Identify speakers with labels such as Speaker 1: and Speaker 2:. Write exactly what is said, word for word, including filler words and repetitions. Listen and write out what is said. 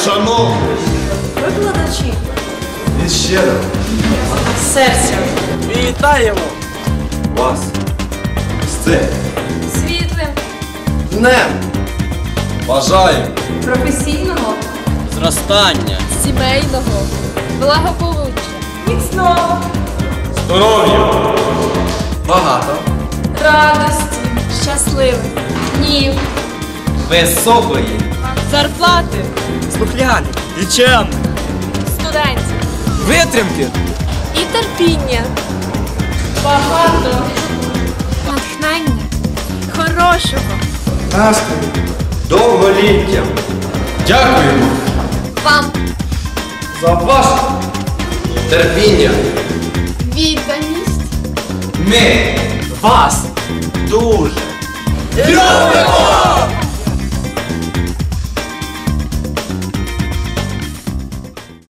Speaker 1: шановні
Speaker 2: Викладачі.
Speaker 1: від щирого
Speaker 2: Серця.
Speaker 3: Вітаємо
Speaker 1: вас з цим
Speaker 2: Світлим.
Speaker 1: днем. Бажаю
Speaker 2: Професійного.
Speaker 3: зростання,
Speaker 2: Сімейного. Благополуччя. Міцного.
Speaker 1: здоров'я, багато,
Speaker 2: Радості. Щасливих. Днів.
Speaker 1: високої,
Speaker 2: Зарплати.
Speaker 3: слухняних, вчених,
Speaker 2: Студентів.
Speaker 3: витримки,
Speaker 2: І терпіння. Багато. Натхнення. Хорошого.
Speaker 1: настрою, довголіття. Дякуємо
Speaker 2: Вам.
Speaker 1: за ваше терпіння.
Speaker 2: Відданість.
Speaker 1: Ми
Speaker 3: вас дуже
Speaker 1: любимо!